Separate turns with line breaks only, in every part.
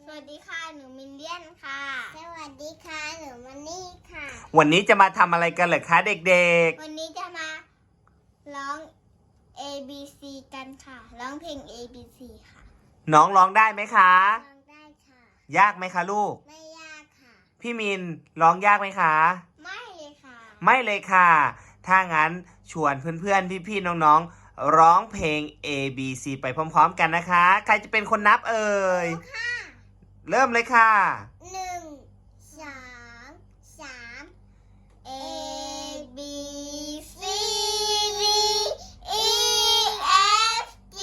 สวัสดีค่ะหนูมินเลียนค่ะสวัสดีค่ะหนูมันนี่ค่ะ
วันนี้จะมาทำอะไรกันเหรอคะเด็ก
วันนี้จะมาร้อง A B C กันค่ะร้องเพลง A B C ค่ะ
น้องร้องได้ไหมคะ
ร้องได้ค่ะ
ยากไหมคะลูก
ไม่ยากค่ะ
พี่มินร้องยากไหมคะ
ไม่เลยค่ะ
ไม่เลยค่ะถ้างั้นชวนเพื่อนๆพี่ๆน้องๆร้องเพลง A B C ไปพร้อมๆกันนะคะใครจะเป็นคนนับเอ่ยเริ่มเลยค่ะ
1 2 3 A B C D E F G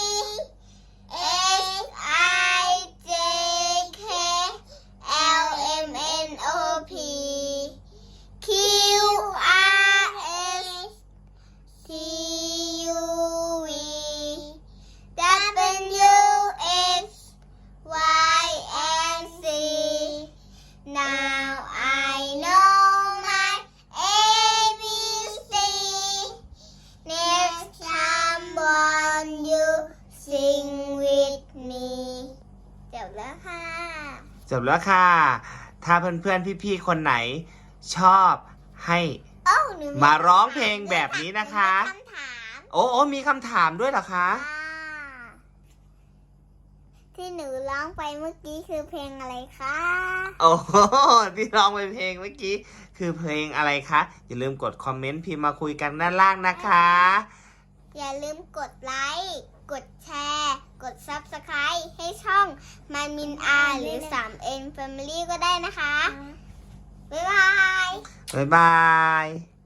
H I J K L M N O P Q R S T U V W X Y and Z Now I know my ABC Next time won't you sing with me จบแล้วค่ะ
จบแล้วค่ะถ้าเพื่อนๆพี่ๆคนไหนชอบให้มาร้องเพลงแบบนี้นะคะ
คำถาม
โอ้มีคำถามด้วยเหรอคะ
ที่หนูร้องไปเมื่อกี้คือเพลงอะไรคะ
โอ้ที่ร้องไปเพลงเมื่อกี้คือเพลงอะไรคะอย่าลืมกดคอมเมนต์พิมพ์มาคุยกันด้านล่างนะคะ
อย่าลืมกดไลค์กดแชร์กด Subscribe ให้ช่องมันมินอาหรือ 3N Family ก็ได้นะคะบ๊ายบาย
บ๊ายบาย